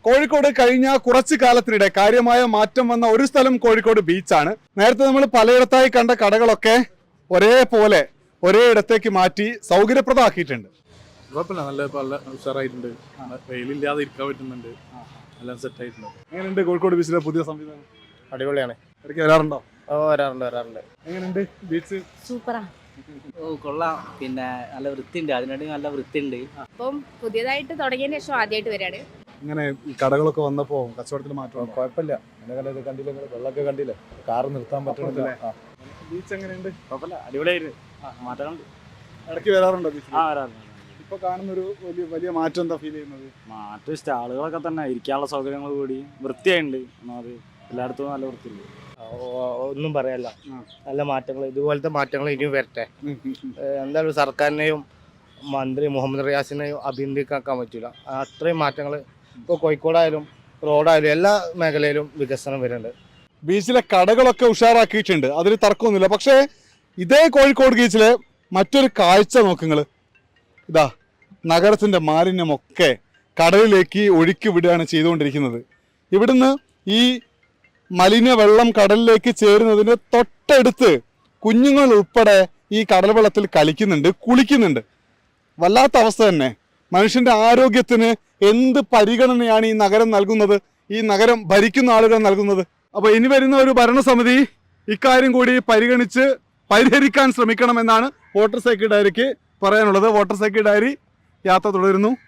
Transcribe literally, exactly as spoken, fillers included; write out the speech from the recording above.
കോഴിക്കോട് കഴിഞ്ഞ കുറച്ചു കാലത്തിനിടെ കാര്യമായ മാറ്റം വന്ന ഒരു സ്ഥലം കോഴിക്കോട് ബീച്ചാണ്. നേരത്തെ നമ്മൾ പലയിടത്തായി കണ്ട കടകളൊക്കെ ഒരേപോലെ ഒരേ ഇടത്തേക്ക് മാറ്റി സൗകര്യപ്രദമാക്കിയിട്ടുണ്ട്. കുഴപ്പമില്ല, നല്ല നല്ല ഉഷാറായിട്ടുണ്ട്. വെയിലില്ലാതെ ഇരിക്കാൻ പറ്റുന്നുണ്ട്, എല്ലാം സെറ്റ് ആയിട്ടുണ്ട്. എങ്ങനെയുണ്ട് കോഴിക്കോട് ബീച്ചിലെ പുതിയ സംവിധാനം? അടിപൊളിയാണ്. ഇടയ്ക്ക് വരാറുണ്ടോ? ഓ വരാറുണ്ട് വരാറുണ്ട് എങ്ങനെയുണ്ട് ബീച്ച്? സൂപ്പറാ. ഓ കൊള്ളാം. പിന്നെ നല്ല വൃത്തിയുണ്ട്, അതിനായിട്ട് നല്ല വൃത്തിയുണ്ട്. അപ്പം പുതിയതായിട്ട് തുടങ്ങിയതിന് ശേഷം ആദ്യമായിട്ട് വരാണ്. ഇങ്ങനെ ഈ കടകളൊക്കെ വന്നപ്പോ കച്ചവടത്തിൽ മാറ്റം? കുഴപ്പമില്ല. എന്നെ കണ്ടില്ല, വെള്ളമൊക്കെ കണ്ടില്ലേ, കാറ് നിർത്താൻ പറ്റുന്നില്ല. ബീച്ച് എങ്ങനെയുണ്ട്? കുഴപ്പമില്ല, അടിപൊളിയായിരുന്നു. മാറ്റമുണ്ട്. ഇടയ്ക്ക് വരാറുണ്ടോ ബീച്ച്? ആ വരാറുണ്ട്. ഇപ്പൊ കാണുന്ന ഒരു വലിയ വലിയ മാറ്റം എന്താ ഫീൽ ചെയ്യുന്നത്? മാറ്റം സ്റ്റാളുകളൊക്കെ തന്നെ, ഇരിക്കാനുള്ള സൗകര്യങ്ങൾ കൂടി വൃത്തിയായിട്ടുണ്ട്. ഒന്നാമത് എല്ലായിടത്തും നല്ല വൃത്തിയുണ്ട്. ഒന്നും പറയല്ല, നല്ല മാറ്റങ്ങൾ, ഇതുപോലത്തെ മാറ്റങ്ങൾ ഇനിയും വരട്ടെ. എന്തായാലും സർക്കാരിനെയും മന്ത്രി മുഹമ്മദ് റിയാസിനെയും അഭിനന്ദിക്കാൻ പറ്റില്ല. അത്രയും മാറ്റങ്ങൾ ഇപ്പോൾ കോഴിക്കോടായാലും റോഡായാലും എല്ലാ മേഖലയിലും വികസനം വരുന്നുണ്ട്. ബീച്ചിലെ കടകളൊക്കെ ഉഷാറാക്കിയിട്ടുണ്ട്, അതിൽ തർക്കമൊന്നുമില്ല. പക്ഷേ ഇതേ കോഴിക്കോട് ബീച്ചിലെ മറ്റൊരു കാഴ്ച നോക്കുങ്ങൾ. ഇതാ നഗരത്തിൻ്റെ മാലിന്യമൊക്കെ കടലിലേക്ക് ഒഴുക്കി വിടുകയാണ് ചെയ്തുകൊണ്ടിരിക്കുന്നത്. ഇവിടുന്ന് ഈ മലിന വെള്ളം കടലിലേക്ക് ചേരുന്നതിന് തൊട്ടടുത്ത് കുഞ്ഞുങ്ങൾ ഉൾപ്പെടെ ഈ കടൽ വെള്ളത്തിൽ കളിക്കുന്നുണ്ട്, കുളിക്കുന്നുണ്ട്. വല്ലാത്ത അവസ്ഥ തന്നെ. മനുഷ്യൻ്റെ ആരോഗ്യത്തിന് എന്ത് പരിഗണനയാണ് ഈ നഗരം നൽകുന്നത്, ഈ നഗരം ഭരിക്കുന്ന ആളുകൾ നൽകുന്നത്? അപ്പോൾ ഇനി വരുന്ന ഒരു ഭരണസമിതി ഇക്കാര്യം കൂടി പരിഗണിച്ച് പരിഹരിക്കാൻ ശ്രമിക്കണമെന്നാണ് വോട്ടർ സൈക്കിൾ ഡയറിക്ക് പറയാനുള്ളത്. വോട്ടർ സൈക്കിൾ ഡയറി യാത്ര തുടരുന്നു.